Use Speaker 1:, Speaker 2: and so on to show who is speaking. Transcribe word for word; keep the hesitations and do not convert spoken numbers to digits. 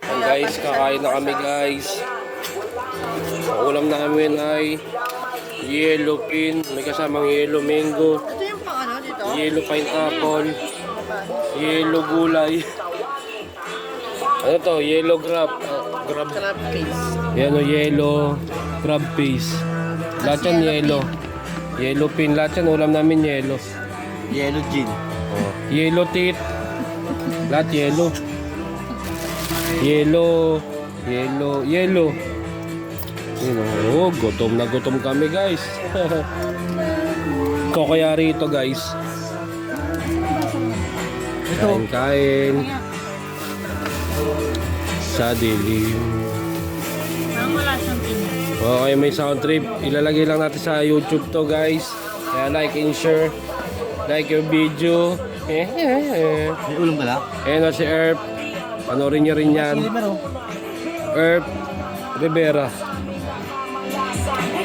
Speaker 1: Ang guys, kakain na kami guys. Ang ulam namin ay yellow pin, may kasamang yellow mango,
Speaker 2: Ito yung pang ano dito?
Speaker 1: yellow pineapple, yellow gulay. Ano to? Yellow crab. Uh, crab.
Speaker 2: Crab paste.
Speaker 1: Yan o, yellow crab paste. Lahat yan yellow. Yellow pin. Lahat yan ulam namin yellow.
Speaker 3: Yellow gin.
Speaker 1: Oh. Yellow teeth. Lahat yellow. Yellow. Yellow. Yellow. Yun, oh, gutom na gutom kami guys. Ito kaya rito guys. Kain kain. Sa dilim.
Speaker 2: Parang wala siyang tingin.
Speaker 1: Okay, may sound trip. Ilalagay lang natin sa YouTube to guys. Kaya like and share. Like yung video. Eh, eh, eh.
Speaker 3: May ulam ka lang?
Speaker 1: Ayan o si Erp. Panorin niyo rin yan.
Speaker 3: Sili meron.
Speaker 1: Erp Rivera.